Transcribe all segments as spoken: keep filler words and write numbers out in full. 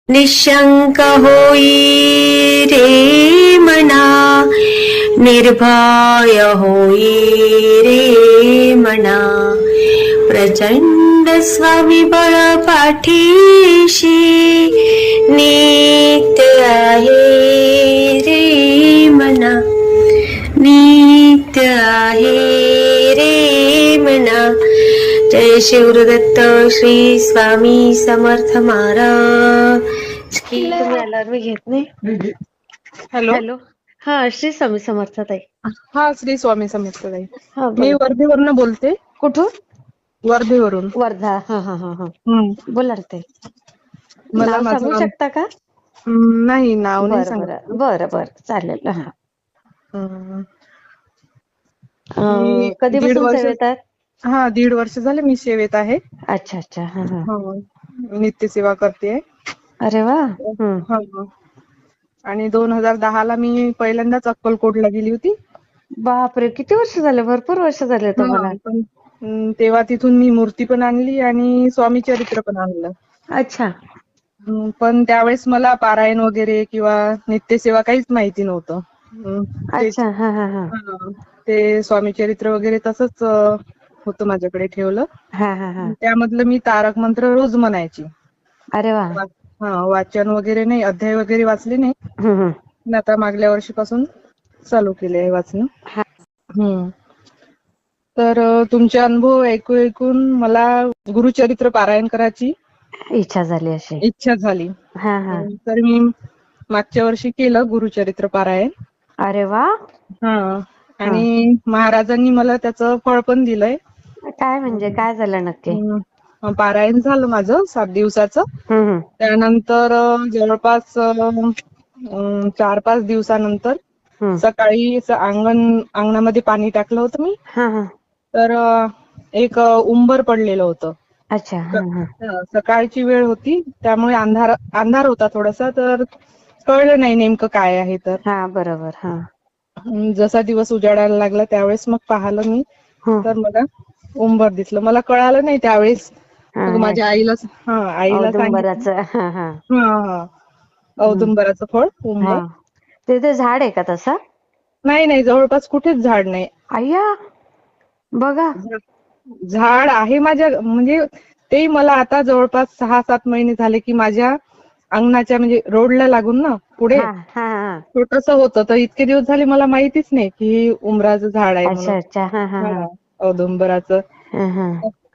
निशंक होई रे मना, निर्भय होई रे मना, प्रचंड स्वामीबळ पाठीशी नित्य आहे रे मना, नित्य आहे रे मना. जय शिवदत्त श्री स्वामी समर्थ महाराज. तुम्ही आल्यावर मी घेत नाही. हॅलो हॅलो, हा श्री स्वामी समर्थ ताई. हा श्री स्वामी समर्थ ताई. हा, मी बोला. वर्धेवरून बोलते. कुठून? वर्धेवरून. वर्धा. हा हा हा हा हम्म. बोला ताई. मला नाव माझं सांगू नाव शकता का? हम्म, नाही नाव नाही बर बर सांगायचं. बर बर चालेल. हा हम्म. मी अं, दीड कधीपासून वर्ष सेवेत आहेत? हा दीड वर्ष झाले मी सेवेत आहे. अच्छा अच्छा. हा हा. हो, नित्य सेवा करते. अरे वा. हम्म. हो. आणि दोन हजार दहा ला मी पहिल्यांदाच अक्कलकोटला गेली होती. बापरे, किती वर्ष झाले? भरपूर वर्ष झाले तुम्हाला. हा, पण हम्म, तेव्हा तिथून मी मूर्ती पण आणली आणि स्वामी चरित्र पण आणलं. अच्छा. हम्म, पण त्यावेळेस मला पारायण वगैरे किंवा नित्यसेवा काहीच माहिती नव्हतं. हम्म, तेच अच्छा. हा हा हा हा, ते स्वामी चरित्र वगैरे तसंच होतं माझ्याकडे ठेवलं. हा हा हा. त्यामधलं मी तारक मंत्र रोज म्हणायची. अरे वा. हा, वाचन वगैरे नाही, अध्याय वगैरे वाचले नाही. हम्म हम्म. पण आता मागल्या वर्षीपासून चालू केले आहे वाचन. हा. हम्म. तर तुमचे अनुभव ऐकून ऐकून मला गुरुचरित्र पारायण करायची इच्छा झाली अशी. इच्छा झाली. हा हा. तर मी मागच्या वर्षी केलं गुरुचरित्र पारायण. अरे वा. हा, हा. आणि महाराजांनी मला त्याचं फळ पण दिलंय. काय म्हणजे काय झालं नक्की? हम्म, पारायण झालं माझं सात दिवसाचं. हम्म हम्म. त्यानंतर जवळपास चार पाच दिवसानंतर हम्म. सकाळी अंगण अंगणामध्ये पाणी टाकलं होतं मी. हा हा. तर एक उंबर पडलेलं होतं. अच्छा. हा हा. सकाळची वेळ होती त्यामुळे अंधार अंधार होता थोडासा, तर कळलं नाही नेमकं काय आहे तर. हा बरोबर. हा. जसा दिवस उजाडायला लागला त्यावेळेस मग पाहिलं मी, हम्म. तर मला उंबर दिसलं. मला कळालं नाही त्यावेळेस. हा मग हे माझ्या आईला हा आईला सांगितलं. औदुंबराचं. हा हा. हा हा. हम्म. औदुंबराचं फळ उंबर. हा. तिथे झाड आहे का तसं? नाही नाही, जवळपास कुठेच झाड नाही. अय्या, बघा. झाड आहे माझ्या, म्हणजे ते मला आता जवळपास सहा सात महिने झाले की माझ्या अंगणाच्या म्हणजे रोडला लागून ना पुढे हा हा हा. छोटस होतं, तर इतके दिवस झाले मला माहितीच नाही की उंबराचं झाड आहे म्हणून. अच्छा अच्छा. हा हा हा. औदुंबराचं. हा हा.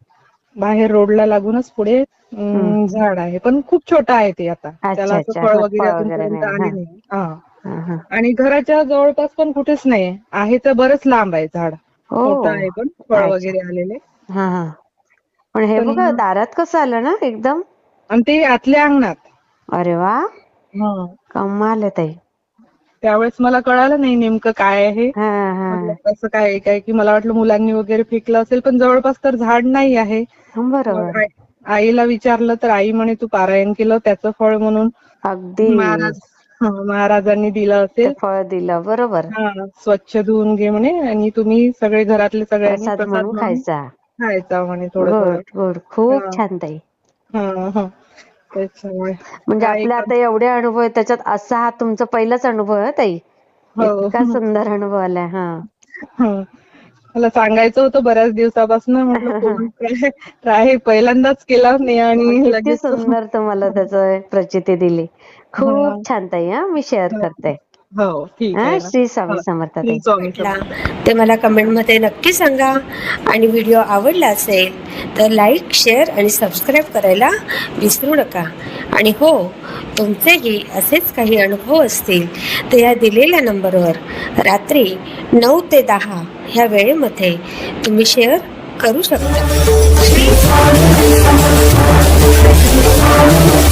बाहेर रोडला लागूनच पुढे हम्म. अं झाड आहे, पण खूप छोटं आहे ते आता. त्याला अच्छा असं अच्छा. फळ हा, वगैरे अजूनपर्यंत नाही. हा आले नाही. हा. हा हा. आणि घराच्या जवळपास पण कुठेच नाही आहे, तर बरंच लांब आहे झाड. ओ. मोठं आहे पण फळ अच्छा. वगैरे आलेले. हा हा. पण हे बघा दारात कसं आलं ना एकदम. आणि ते आतल्या अंगणात. अरे वा. हा. कमाल आहे ताई. त्यावेळेस मला कळालं नाही नेमकं काय आहे. हा हा. म्हटलं कसं काय काय की मला वाटलं मुलांनी वगैरे फेकलं असेल, पण जवळपास तर झाड नाही आहे. मग बरोबर. आईला विचारलं तर आई म्हणे तू पारायण केलं त्याचं फळ म्हणून अगदी. महाराज महाराजांनी दिलं ते असेल. फळ दिलं बरोबर. हा, स्वच्छ धुवून घे म्हणे आणि तुम्ही सगळे घरातले सगळ्यांनी प्रसाद म्हणून खायचा म्हणे थोडं थोडं. Good good. खूप छान ताई. हा हा. त्याच्यामुळे म्हणजे काय आपले कर आता एवढे अनुभव आहे, त्याच्यात असा हा तुमचा पहिलाच अनुभव आहे ताई. इतका हो. सुंदर अनुभव आलाय. हा. हं. मला सांगायचं होतं बऱ्याच दिवसापासून, म्हटलं फोन ट्राय पहिल्यांदाच केला नाही आणि किती लगेच सुंदर तुम्हाला त्याच प्रचिती दिली. खूप छान ताई. हा, मी शेअर करते. हो ठीक हा, आहे ना. श्री स्वामी हो, समर्थ श्री ताई. स्वामी समर्थ. ते मला कमेंटमध्ये नक्की सांगा. आणि व्हिडिओ आवडला असेल तर लाईक, शेअर आणि सबस्क्राईब करायला विसरू नका. आणि हो, तुमचेही असेच काही अनुभव असतील तर या दिलेल्या नंबरवर रात्री नऊ ते दहा ह्या वेळेमध्ये तुम्ही शेअर करू शकता.